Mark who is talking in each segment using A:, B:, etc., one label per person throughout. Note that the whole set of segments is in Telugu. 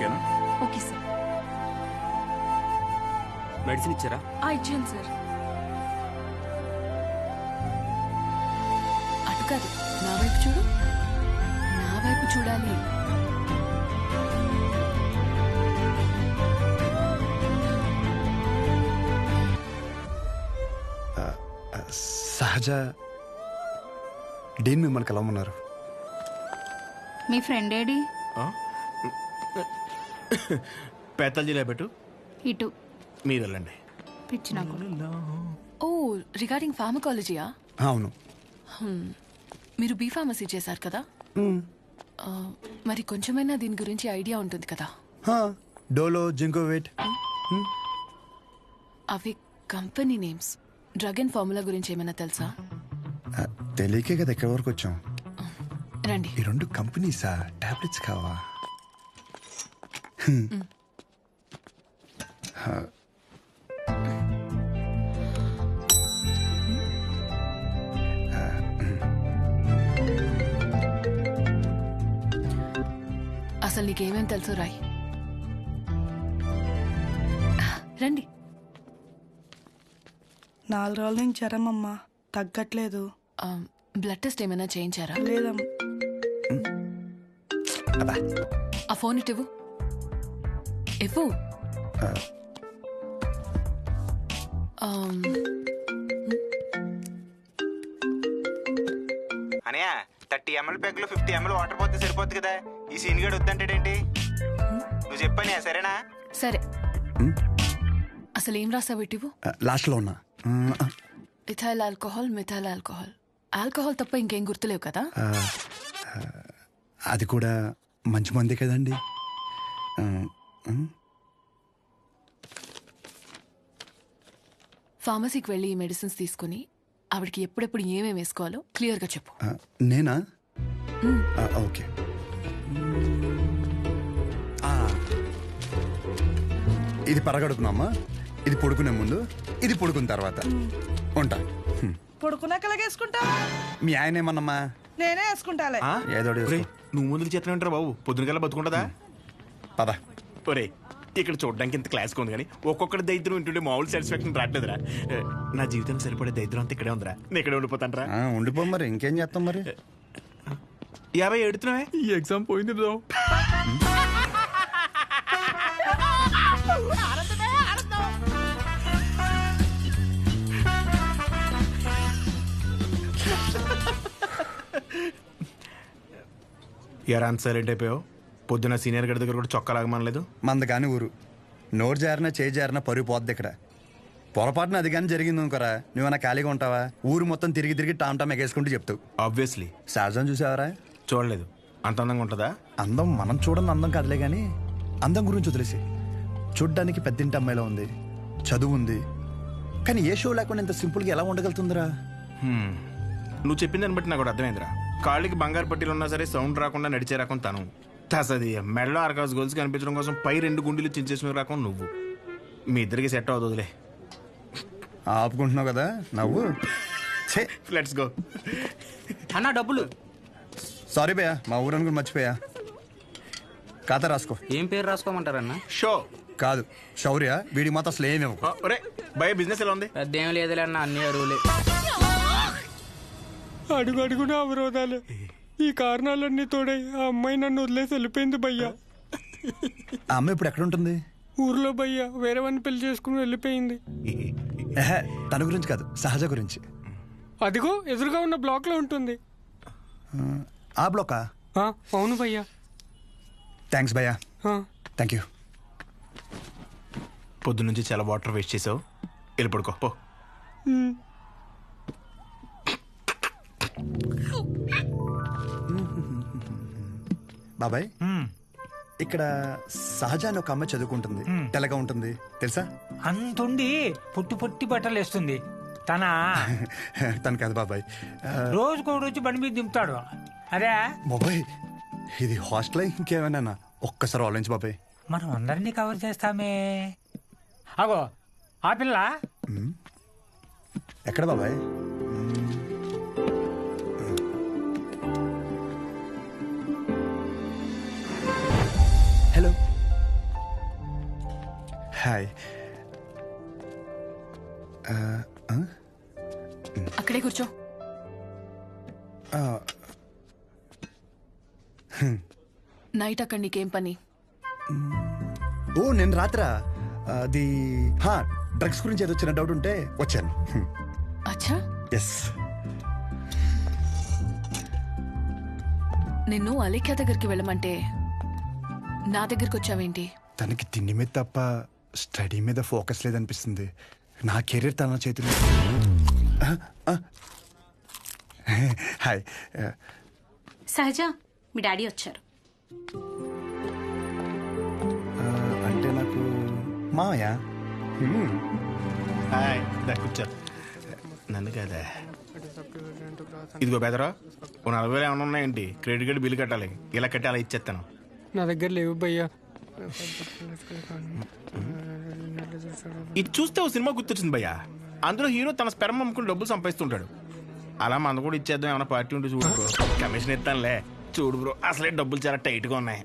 A: ఓకేనా?
B: Okay sir.
A: మెడిసిన్ ఇచ్చారా?
B: ఇచ్చాను సార్.
C: అటు కాదు, నా వైపు చూడు. నా వైపు చూడాలి.
D: సహజ డీన్ మిమ్మల్ని కలవమన్నారు.
B: మీ ఫ్రెండ్ ఏడి?
A: పేతాల్జీలో పెట్టు,
B: ఇటు
A: మీరు వెళ్ళండి.
B: పిచ్చి నాకు.
C: ఓ, రిగార్డింగ్ ఫార్మకాలజీయా?
D: అవును.
C: మీరు బీ ఫార్మసీ చేశారు కదా, మరి కొంచెమైనా దీని గురించి ఐడియా ఉంటుంది కదా.
D: Dolo, Zincovit.
C: అవి company names. Drug and formula గురించి ఏమైనా తెలుసా?
D: తెలియకే కదా ఎక్కడి వరకు వచ్చాం.
C: రండి.
D: ఈ రెండు కంపెనీసా? టాబ్లెట్స్ కావా?
C: అసలు నీకేమేం తెలుసు రాయ్. రండి.
E: 4 రోజుల నుంచి జ్వరం అమ్మా, తగ్గట్లేదు.
C: బ్లడ్ టెస్ట్ ఏమైనా చేయించారా?
E: లేదమ్మా.
C: ఆ ఫోన్ ఇటు ఇవ్వు.
F: అనయా 30 ml పెగ్లో 50 ml వాటర్ పోతే సరిపోద్ది కదా. ఈ సీన్ గడు వద్దంటాడేంటి? నువ్వు చెప్పానే, సరేనా?
C: సరే. అసలు ఏం రాసావు ఇటు?
D: లాస్ట్ లో ఉన్నా.
C: Ethyl alcohol, methyl alcohol. Alcohol తప్ప ఇంకేం గుర్తులేవు కదా?
D: అది కూడా మంచి మంది కదండి.
C: ఫార్మసీకి వెళ్ళి ఈ మెడిసిన్స్ తీసుకుని ఆవిడకి ఎప్పుడెప్పుడు ఏమేమి వేసుకోవాలో క్లియర్గా చెప్పు.
D: నేనా? ఓకే. ఇది పరగడుపునమ్మా, ఇది పడుకునే ముందు, ఇది పడుకున్న తర్వాత. ఉంటా.
E: పడుకున్నాక వేసుకుంటా.
D: మీ ఆయన ఏమన్నమ్మా?
E: నేనే వేసుకుంటాలే.
D: ఏదో
A: నువ్వు ముందుకు చేతనే ఉంటారా బాబు? పొద్దున కల్లా బతుకుంటుందా?
D: పద.
A: ఒరే, ఇక్కడ చూడడానికి ఇంత క్లాస్గా ఉంది కానీ ఒక్కొక్కటి దరిద్రం వింటుంటే మామూలు సాటిస్ఫాక్షన్ రావట్లేదురా. నా జీవితానికి సరిపడే దరిద్రం అంతా ఇక్కడే ఉందిరా. నేను ఇక్కడే ఉండిపోతాను రా.
D: ఉండిపో మరి, ఇంకేం చేస్తాం మరి.
A: 50 ఎడుతున్నావే? ఈ ఎగ్జామ్ పోయింది బ్రో. ఎరా అంత సైలెంట్ అయిపోయావు? పొద్దున సీనియర్ గడి దగ్గర కూడా చొక్కా లాగమనలేదు.
D: మంద కాని ఊరు, నోరు జారినా చేయి జారినా పరుగు పోద్ది ఇక్కడ. పొరపాటున అది కానీ జరిగింది అనుకోరా, నువ్వన్నా ఖాళీగా ఉంటావా? ఊరు మొత్తం తిరిగి తిరిగి టామ్ టామ్ ఎగేసుకుంటూ చెప్తావు.
A: ఆబ్వియస్లీ.
D: సహజం చూసావరా?
A: చూడలేదు. అంత అందంగా ఉంటుందా?
D: అందం మనం చూడని అందం కాదులే కానీ, అందం గురించి వదిలేసి. చూడ్డానికి పెద్దింటి అమ్మాయిలో ఉంది, చదువు ఉంది, కానీ ఏ షో లేకుండా ఇంత సింపుల్గా ఎలా ఉండగలుగుతుందిరా?
A: నువ్వు చెప్పిన దాన్ని బట్టి నాకు కూడా అర్థమైందిరా. కాళ్ళకి బంగారు పట్టీలు ఉన్నా సరే సౌండ్ రాకుండా నడిచే రకం తను. తసది మెడలో ఆర్కాస్ గోల్స్ కనిపించడం కోసం పై 2 గుండెలు చించేసిన రకం నువ్వు. మీ ఇద్దరికి సెట్ అవుతుందిలే.
D: ఆపుకుంటున్నావు కదా నవ్వు.
A: Let's go.
F: అన్న డబ్బులు.
D: సారీ భయ్యా, మా ఊరని కూడా మర్చిపోయా. ఖాతా రాసుకో.
F: ఏం పేరు రాసుకోమంటారన్న?
A: షో
D: కాదు, శౌర్య. వీడికి మాత్రం అసలు ఏమి ఇవ్వకు.
A: ఒరే భయ, బిజినెస్ ఎలా ఉంది?
F: పెద్ద ఏం లేదులే అన్న, అన్ని అరువులే.
G: అడుగు అడుగున అవరోధాలే. ఈ కారణాలన్నీ తోడై ఆ అమ్మాయి నన్ను వదిలేసి వెళ్ళిపోయింది భయ్యా.
D: ఆ అమ్మాయి ఇప్పుడు ఎక్కడ ఉంటుంది?
G: ఊర్లో భయ్యా, వేరే వాడిని పెళ్లి చేసుకుని వెళ్ళిపోయింది.
D: తన గురించి కాదు, సహజ గురించి.
G: అదిగో ఎదురుగా ఉన్న బ్లాక్ లో ఉంటుంది.
D: ఆ బ్లాకా?
G: అవును భయ్యా.
D: థ్యాంక్స్ భయ్యా. Thank you.
A: పొద్దు నుంచి చాలా వాటర్ వేస్ట్ చేసావు, వెళ్ళి పడుకో పో.
D: బాబాయ్, ఇక్కడ సహజ అని ఒక అమ్మాయి చదువుకుంటుంది, తెల్లగా ఉంటుంది తెలుసా?
H: అంతుండి పుట్టి పుట్టి బట్టలు వేస్తుంది.
D: తను కాదు బాబాయ్,
H: రోజుకో రోజు బండి మీద దింపుతాడు. అదే
D: బాబాయ్, ఇది హాస్టల్ ఇంకేమైనా ఒక్కసారి ఆలోచించు బాబాయ్.
H: మనం అందరినీ కవర్ చేస్తామే. అగో ఆ పిల్ల
D: ఎక్కడ బాబాయ్? Hello, hi.
C: అక్కడే కూర్చో. నైట్ అక్కడ నీకేం పని?
D: ఓ నేను రాత్రా అది డ్రగ్స్ గురించి ఏదో చిన్న డౌట్ ఉంటే వచ్చాను.
C: అచ్చా,
D: ఎస్.
C: నిన్ను అలేఖ్య దగ్గరికి వెళ్ళమంటే నా దగ్గరికి వచ్చావేంటి?
D: తనకి తిండి మీద తప్ప స్టడీ మీద ఫోకస్ లేదనిపిస్తుంది. నా కెరీర్ తన చేతిలో. హాయ్.
B: సహజ, మీ డాడీ వచ్చారు.
D: అంటే నాకు మామయ్య.
A: హాయ్, కూర్చో. నన్ను కదా. ఇదిగో బెదరా, ఓ 40,000 ఏమైనా ఉన్నాయండి? క్రెడిట్ కార్డు బిల్లు కట్టాలి. ఇలా కట్టి అలా ఇచ్చేస్తాను.
G: నా దగ్గర లేవు భయ్యా.
A: ఇది చూస్తే ఓ సినిమా గుర్తొచ్చింది భయ్యా. అందులో హీరో తన స్పెర్మ్ అమ్ముకుని డబ్బులు సంపాదిస్తుంటాడు. అలా మన కూడా ఇచ్చేద్దాం, ఏమైనా పార్టీ ఉంటే చూడు బ్రో. కమిషన్ ఇస్తానులే. చూడు బ్రో, అసలే డబ్బులు చాలా టైట్గా ఉన్నాయి.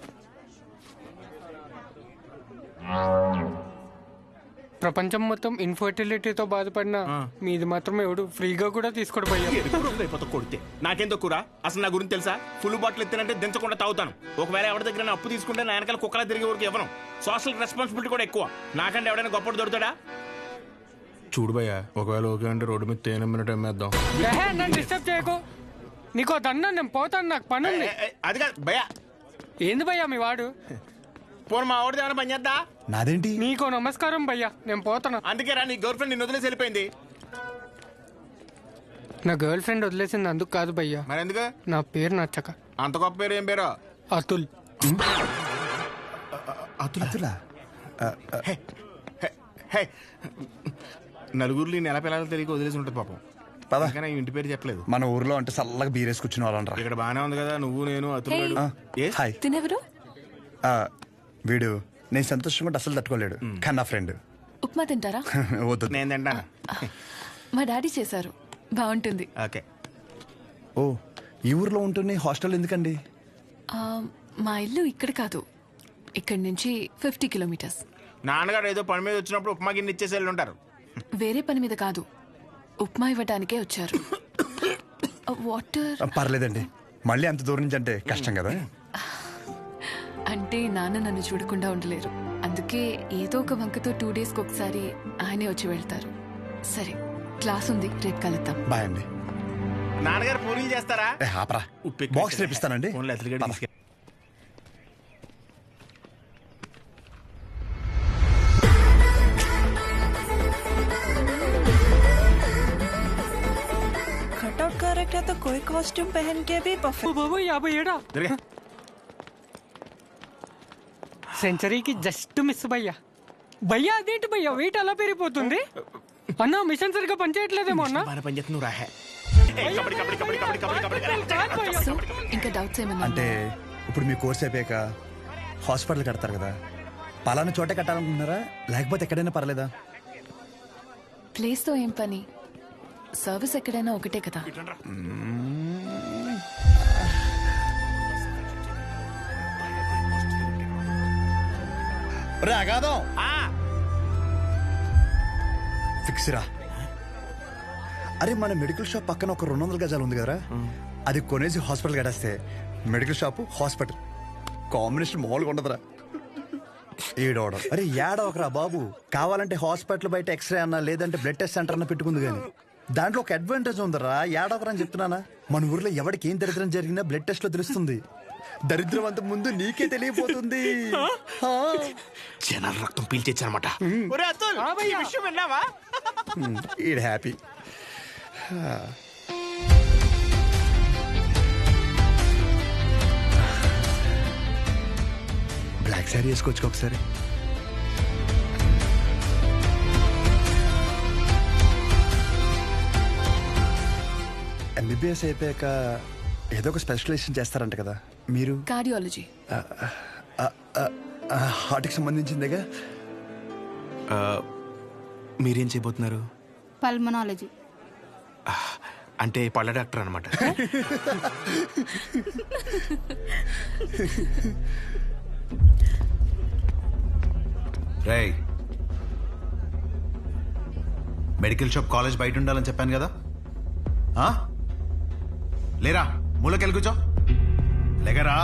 G: ప్రపంచం మొత్తం ఇన్ఫర్టిలిటీతో బాధపడిన మీది మాత్రం ఎవడు ఫ్రీగా కూడా తీసుకోడు భయ్యా.
A: అయిపోతా కొడితే నాకేం తక్కువ? అసలు నా గురించి తెలుసా? ఫుల్ బాటిల్ ఎత్తినంటే దించకుండా తాగుతాను. ఒకవేళ ఎవరి దగ్గర అప్పు తీసుకుంటే నా వెనకాల కుక్కలా తిరిగే వరకు ఇవ్వను. సోషల్ రెస్పాన్సిబిలిటీ కూడా ఎక్కువ. నాకంటే ఎవడైనా గొప్పడు దొరుకుతాడా? చూడు భయ్యా, ఒకవేళ ఓకే అంటే రోడ్డు మీద తేనె మినిట్ అమ్మేద్దాం.
G: నన్ను డిస్టర్బ్ చేయకు. నీకో దన్నా, నేను పోతాను, నాకు పని ఉంది.
A: అది కాదు భయ్యా.
G: ఏంది భయ్యా మీ వాడు?
A: పోను మా ఆవిడది ఏమైనా పని చేద్దా?
D: నాదేంటి?
G: నీకో నమస్కారం భయ్యా, నేను పోతాను.
A: అందుకే రా, నీ గర్ల్ ఫ్రెండ్ నిన్ను వదిలేసి వెళ్ళిపోయింది.
G: నా గర్ల్ ఫ్రెండ్ వదిలేసింది అందుకు కాదు భయ్యా,
A: మరి ఎందుకు?
G: నా పేరు నచ్చక.
A: అంత గొప్ప పేరు ఏం పేరు?
G: అతుల్.
D: అతులా?
A: నలుగురిలో నెల పిల్లలు తెలియక వదిలేసి ఉంటుంది పాపం.
D: పద.
A: కానీ ఇంటి పేరు చెప్పలేదు.
D: మన ఊర్లో అంటే చల్లగా బీరేసి కూర్చుని వాళ్ళనరా.
A: ఇక్కడ బానే ఉంది కదా, నువ్వు నేను అతులు.
D: హాయ్.
C: తినెవరు?
D: వీడు నేను సంతోషంగా ఉంటే అసలు తట్టుకోలేడు, కానీ నా ఫ్రెండ్.
C: ఉప్మా తింటారా?
D: వద్దు.
A: నేను తింటాను.
C: మా డాడీ చేశారు, బాగుంటుంది.
A: ఓకే.
D: ఓ, ఈ ఊర్లో ఉంటుంది, హాస్టల్ ఎందుకండి?
C: ఆ, మా ఇల్లు ఇక్కడ కాదు, ఇక్కడి నుంచి 50 కిలోమీటర్స్.
A: నాన్నగారు ఏదో పని మీద వచ్చినప్పుడు ఉప్మా గిన్నె ఇచ్చేసి వెళ్ళి ఉంటారు.
C: వేరే పని మీద కాదు, ఉప్మా ఇవ్వడానికే వచ్చారు. వాటర్
D: పర్లేదండి, మళ్ళీ అంత దూరం నుంచి అంటే కష్టం కదా.
C: అంటే నాన్న నన్ను చూడకుండా ఉండలేరు, అందుకే ఏదో ఒక వంకతో 2 డేస్కి ఒకసారి ఆయనే వచ్చి వెళ్తారు. సరే, క్లాస్ ఉంది, రేపు కలుద్దాం.
D: బాయ్ అండి.
A: నాన్నగారు పూరీలు చేస్తారా?
D: ఆపరా, బాక్స్ రేపిస్తానండి.
E: कटआउट करेक्ट है तो कोई कॉस्ट्यूम पहन के भी परफेक्ट.
G: బాబు 57 సెంచరీకి జస్ట్ మిస్ భయ్యా. భయ్యా అదేంటి భయ్యా వెయిట్ అలా పెరిగిపోతుంది? అన్న మిషన్ సరిగ్గా పనిచేయట్లేదేమో అన్న.
C: సో ఇంకా డౌట్స్ ఏమన్నా?
D: అంటే ఇప్పుడు మీ కోర్స్ అయిపోయాక హాస్పిటల్ కడతారు కదా, పలానా చోటే కట్టాలనుకుంటున్నారా లేకపోతే ఎక్కడైనా పర్లేదా?
C: ప్లేస్తో ఏం పని, సర్వీస్ ఎక్కడైనా ఒకటే కదా.
D: అగాదం ఫిక్స్ రా. అరే మన మెడికల్ షాప్ పక్కన ఒక 200 గజాలు ఉంది కదరా, అది కొనేసి హాస్పిటల్ కట్టేస్తే మెడికల్ షాప్ హాస్పిటల్ కాంబినేషన్ మామూలుగా ఉండదురా. ఏడవడం అరే ఏడవకరా బాబు, కావాలంటే హాస్పిటల్ బయట ఎక్స్రే అన్నా లేదంటే బ్లడ్ టెస్ట్ సెంటర్ అన్న పెట్టుకుంది, కానీ దాంట్లో ఒక అడ్వాంటేజ్ ఉందరా. ఏడవకరా అని చెప్తున్నానా. మన ఊర్లో ఎవరికి ఏం దరిద్రం జరిగినా బ్లడ్ టెస్ట్ లో తెలుస్తుంది. దరిద్రం అంత ముందు నీకే తెలియపోతుంది.
A: జనాల రక్తం పీల్చేచ్చనమాట.
D: ఈడ్ హ్యాపీ. బ్లాక్ శారీ వేసుకోవచ్చు ఒకసారి. ఎంబీబీఎస్ అయిపోయాక ఏదో ఒక స్పెషలైజేషన్ చేస్తారంట కదా మీరు?
C: కార్డియాలజీ.
D: హార్ట్కి సంబంధించిందేగా.
A: మీరేం చేయబోతున్నారు?
B: పల్మనాలజీ.
A: అంటే పళ్ళ డాక్టర్ అనమాట.
I: రేయ్, మెడికల్ షాప్ కాలేజ్ బయట ఉండాలని చెప్పాను కదా, లేరా మూలకెళ్ళి కూర్చో, లేకరా.